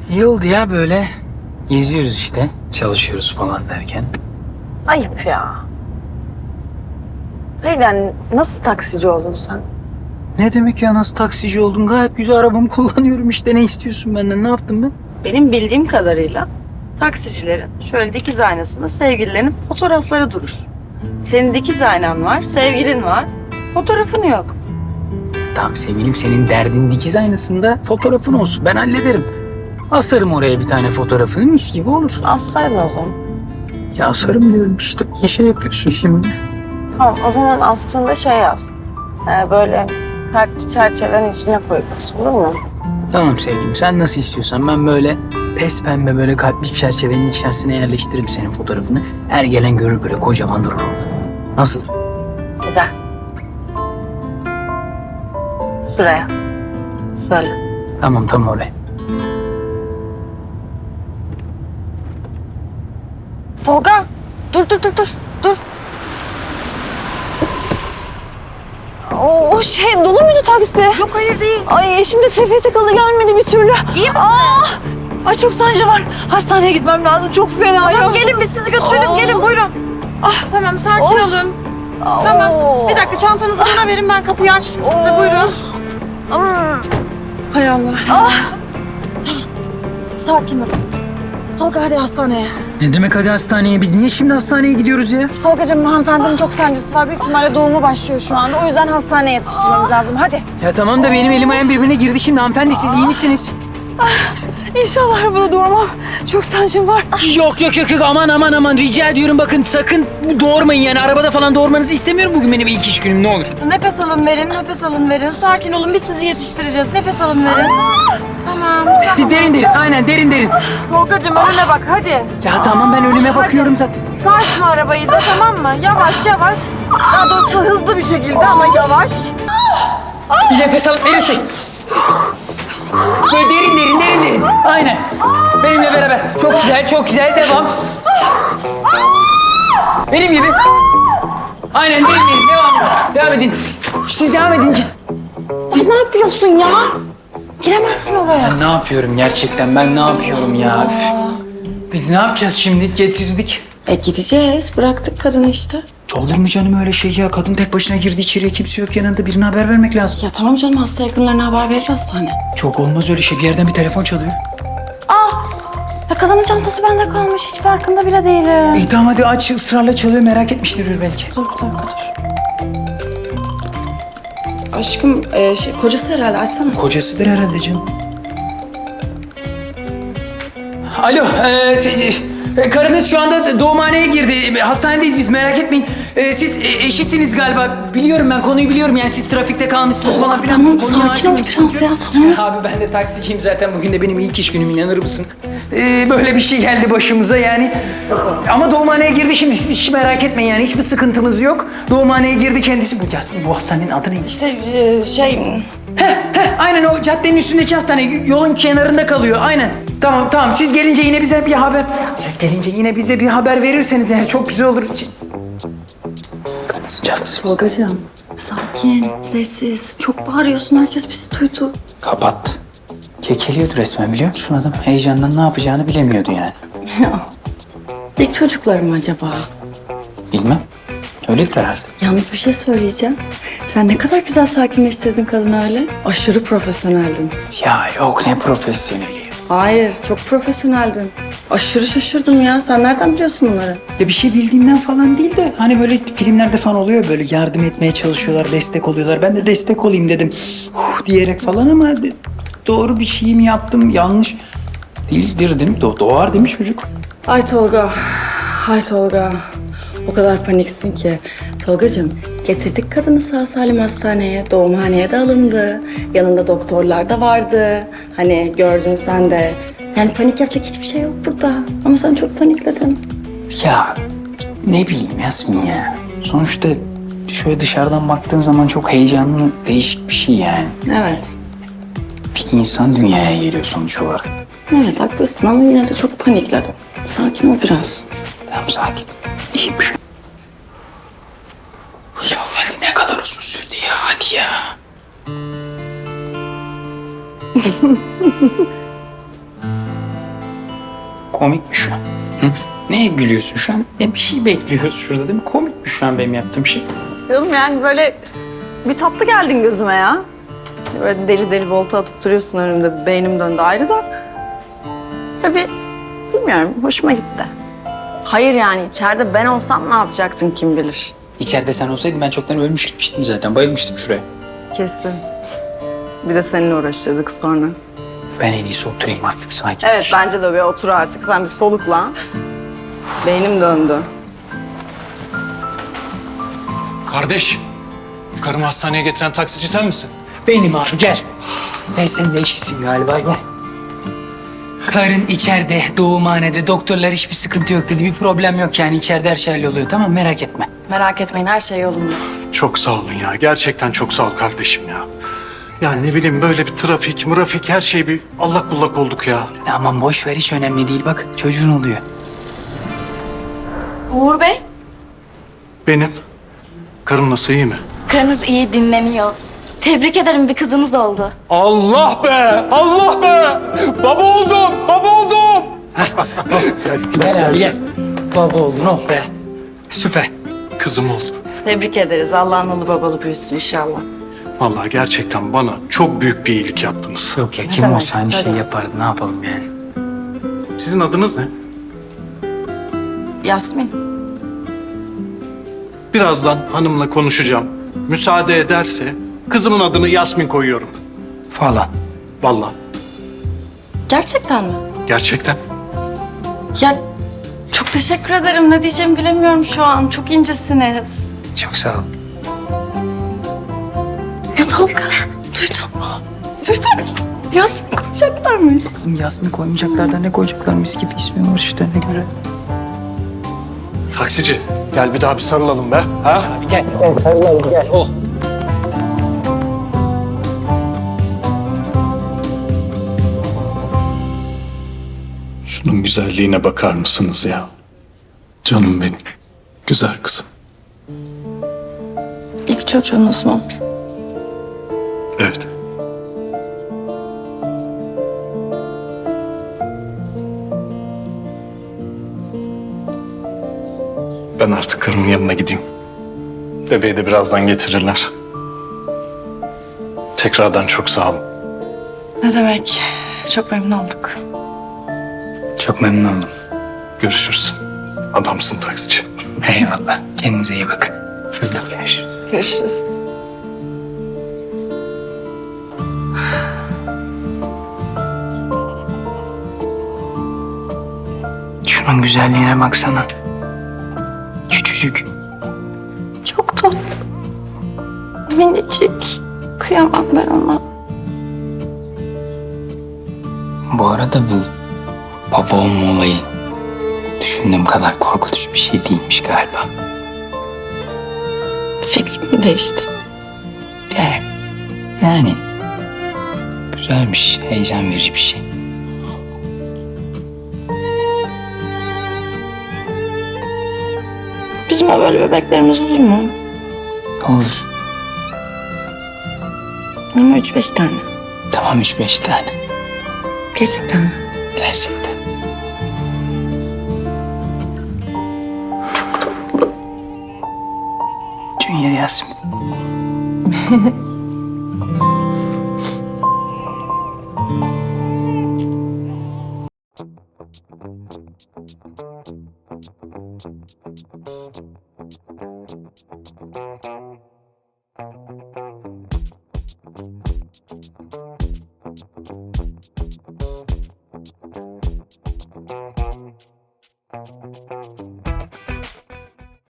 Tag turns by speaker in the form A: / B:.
A: İyi oldu ya böyle. Geziyoruz işte. Çalışıyoruz falan derken.
B: Ayıp ya. Neyden, nasıl taksici oldun sen?
A: Ne demek ya, nasıl taksici oldun? Gayet güzel arabamı kullanıyorum işte. Ne istiyorsun benden? Ne yaptım ben?
B: Benim bildiğim kadarıyla taksicilerin şöyle dikiz aynasında sevgililerinin fotoğrafları durur. Senin dikiz aynan var, sevgilin var, fotoğrafın yok.
A: Tamam sevgilim, senin derdin dikiz aynasında fotoğrafın olsun. Ben hallederim. Asarım oraya bir tane fotoğrafını, mis gibi olur.
B: Assaydın o zaman.
A: Ya asarım diyorum işte. Ne şey yapıyorsun şimdi?
B: Tamam, o zaman aslında şey yaz. Böyle kalpli çerçevenin içine koyup as, olur mu?
A: Tamam sevgilim, sen nasıl istiyorsan. Ben böyle pes pembe böyle kalpli çerçevenin içerisine yerleştiririm senin fotoğrafını. Her gelen görür, böyle kocaman durur orada. Nasıl?
B: Güzel. Şuraya. Şöyle.
A: Tamam tam oraya.
B: Tolga, dur.
C: O şey dolu muydu taksi?
B: Yok hayır değil.
C: Ay eşim de trafiğe takıldı gelmedi bir türlü.
B: İyi misiniz?
C: Ay çok sancı var. Hastaneye gitmem lazım. Çok fena ya.
B: Tamam gelin biz sizi götürelim. Gelin buyurun. Tamam sakin olun. Tamam. Bir dakika çantanızı bana verin, ben kapıyı açtım size, buyurun. Hay Allah. Sakin ol.
C: Tolga hadi hastaneye.
A: Ne demek hadi hastaneye? Biz niye şimdi hastaneye gidiyoruz ya?
C: Tolgacığım hanımefendinin çok sancısı var. Büyük ihtimalle doğumu başlıyor şu anda. O yüzden hastaneye yetiştirmemiz lazım. Hadi.
A: Ya tamam da benim elim ayağım birbirine girdi şimdi. Hanımefendi siz iyi misiniz?
C: İnşallah arabada durmam. Çok sancım var.
A: Yok aman rica ediyorum, bakın sakın doğurmayın yani, arabada falan doğurmanızı istemiyorum bugün benim ilk iş günüm, ne olur.
B: Nefes alın verin. Sakin olun, biz sizi yetiştireceğiz. Nefes alın verin. Tamam.
A: Derin aynen derin.
B: Tolgacığım önüne bak hadi.
A: Ya tamam ben önüme bakıyorum zaten.
B: Sarsma arabayı da, tamam mı? Yavaş. Daha doğrusu hızlı bir şekilde ama yavaş.
A: Bir nefes alıp verirsek. Böyle derin. Aynen. Benimle beraber. Çok güzel devam. Benim gibi. Aynen derin devam edin. Siz devam edin.
C: Ay ne yapıyorsun ya? Giremezsin oraya.
A: Ben ne yapıyorum gerçekten, ben ne yapıyorum ya? Üf. Biz ne yapacağız şimdi? Getirdik.
B: Gideceğiz. Bıraktık kadını işte.
A: Olur mu canım öyle şey ya? Kadın tek başına girdi içeriye, kimse yok yanında, birine haber vermek lazım.
B: Ya tamam canım, hasta yakınlarına haber verir hastane.
A: Çok olmaz öyle şey, bir yerden bir telefon çalıyor.
B: Ya kadının çantası bende kalmış, hiç farkında bile değilim.
A: İyi tamam hadi aç, ısrarla çalıyor, merak etmiştir belki.
B: Dur. Aşkım kocası herhalde, açsana.
A: Kocasıdır herhalde canım. Alo, karınız şu anda doğumhaneye girdi. Hastanedeyiz biz, merak etmeyin. Siz eşisiniz galiba. Biliyorum, ben konuyu biliyorum yani, siz trafikte kalmışsınız falan filan.
B: Tamam,
A: Konuya
B: sakin ol
A: hakimim.
B: biraz ya, tamam.
A: Abi ben de taksiciyim zaten, bugün de benim ilk iş günüm, inanır mısın? Böyle bir şey geldi başımıza yani. Ama doğumhaneye girdi şimdi, siz hiç merak etmeyin yani, hiçbir sıkıntımız yok. Doğumhaneye girdi kendisi. Bu hastanenin adı neydi?
B: İşte
A: Aynen o caddenin üstündeki hastane, yolun kenarında kalıyor, aynen. Tamam, siz gelince yine bize bir haber verirseniz eğer çok güzel olur. Karınızın çantası.
B: Tolgacığım, sakin, sessiz. Çok bağırıyorsun, herkes bizi duydu.
A: Kapattı. Kekeliyordu resmen, biliyor musun adam? Heyecandan ne yapacağını bilemiyordu yani.
B: İlk çocuklarım acaba?
A: Bilmem. Öyledir herhalde.
B: Yalnız bir şey söyleyeceğim. Sen ne kadar güzel sakinleştirdin kadını öyle. Aşırı profesyoneldin.
A: Ya yok, ne profesyoneli.
B: Hayır, çok profesyoneldin. Aşırı şaşırdım ya. Sen nereden biliyorsun bunları?
A: Ya bir şey bildiğimden falan değil de hani böyle filmlerde falan oluyor, böyle yardım etmeye çalışıyorlar, destek oluyorlar. Ben de destek olayım dedim diyerek falan, ama doğru bir şey mi yaptım, yanlış değildir değil mi? Doğar değil mi çocuk?
B: Ay Tolga. O kadar paniksin ki. Tolgacığım, getirdik kadını sağ salim hastaneye. Doğumhaneye de alındı. Yanında doktorlar da vardı. Hani gördün sen de. Yani panik yapacak hiçbir şey yok burada. Ama sen çok panikledin.
A: Ya ne bileyim Yasmin ya. Sonuçta şöyle dışarıdan baktığın zaman çok heyecanlı, değişik bir şey yani.
B: Evet.
A: Bir insan dünyaya geliyor sonuç olarak.
B: Evet haklısın ama yine de çok panikledin. Sakin ol biraz.
A: Tamam sakin. İyiymiş. Ya hadi, ne kadar uzun sürdü ya, hadi ya. Komik mi şu an? Hı? Neye gülüyorsun şu an? Bir şey bekliyoruz şurada değil mi? Komik mi şu an benim yaptığım şey?
C: Canım yani böyle bir tatlı geldin gözüme ya. Böyle deli deli volta atıp duruyorsun önümde. Beynim döndü ayrı da. Böyle bilmiyorum hoşuma gitti. Hayır yani içeride ben olsam ne yapacaktın kim bilir.
A: İçeride sen olsaydın ben çoktan ölmüş gitmiştim zaten. Bayılmıştım şuraya.
C: Kesin. Bir de seninle uğraşırdık sonra.
A: Ben en iyisi oturayım artık sakin.
C: Evet bence de bir otur artık. Sen bir solukla. Beynim döndü.
D: Kardeş, karımı hastaneye getiren taksici sen misin?
A: Benim abi gel. Ben senin de eşisin galiba gel. Karın içeride, doğumhanede. Doktorlar hiçbir sıkıntı yok dedi. Bir problem yok yani. İçeride her şey halloluyor. Tamam merak etme.
B: Merak etmeyin her şey yolunda.
D: Çok sağ olun ya. Gerçekten çok sağ ol kardeşim ya. Yani ne bileyim böyle bir trafik her şey bir allak bullak olduk ya.
A: Aman boş ver hiç önemli değil. Bak çocuğun oluyor.
E: Uğur Bey,
D: Benim. Karım nasıl, iyi mi?
E: karınız iyi dinleniyor. Tebrik ederim, bir kızınız oldu.
D: Allah be! Allah be! Baba oldum! Baba oldum!
A: Gel abi gel. Baba oldun oh be. Süper.
D: Kızım oldu.
B: Tebrik ederiz. Allah analı babalı büyüsün inşallah.
D: Vallahi gerçekten bana çok büyük bir iyilik yaptınız.
A: Yok ya kim
B: demek?
A: olsa aynı şey
B: Tabii.
A: yapardı. Ne yapalım yani?
D: Sizin adınız ne?
B: Yasmin.
D: Birazdan hanımla konuşacağım. Müsaade ederse kızımın adını Yasmin koyuyorum.
A: Falan.
D: Vallahi.
B: Gerçekten mi?
D: Gerçekten.
B: Ya çok teşekkür ederim. Ne diyeceğimi bilemiyorum şu an. Çok incesiniz.
A: Çok sağ ol.
B: Ya Tolga, duydun mu? Duydun mu? Yasmin koyacaklarmış.
A: Kızım Yasmin koymayacaklar da ne koyacaklar mis gibi ismi var işte ne göre.
D: Taksici gel bir daha bir sarılalım be. Ha?
A: Gel sarılalım gel. Oh.
D: Şunun güzelliğine bakar mısınız ya? Canım benim. Güzel kızım.
B: İlk çocuğunuz mu?
D: Evet. Ben artık karımın yanına gideyim. Bebeği de birazdan getirirler. Tekrardan çok sağ olun.
B: Ne demek? Çok memnun olduk.
A: Çok memnun oldum.
D: Görüşürüz. Adamsın taksici.
A: Eyvallah. Kendinize iyi bakın. Siz de görüşürüz.
B: Görüşürüz.
A: Şunun güzelliğine baksana. Küçücük.
B: Çok tatlı. Minicik. Kıyamam ben ona.
A: Bu arada bu baba olma olayı düşündüğüm kadar korkutucu bir şey değilmiş galiba.
B: Fikrim değişti.
A: Yani güzelmiş, heyecan verici bir şey.
B: Bizim böyle bebeklerimiz olur mu?
A: Olur.
B: Ama 3-5 tane.
A: Tamam 3-5 tane.
B: Gerçekten mi?
A: Gerçekten. Junior Yasmin.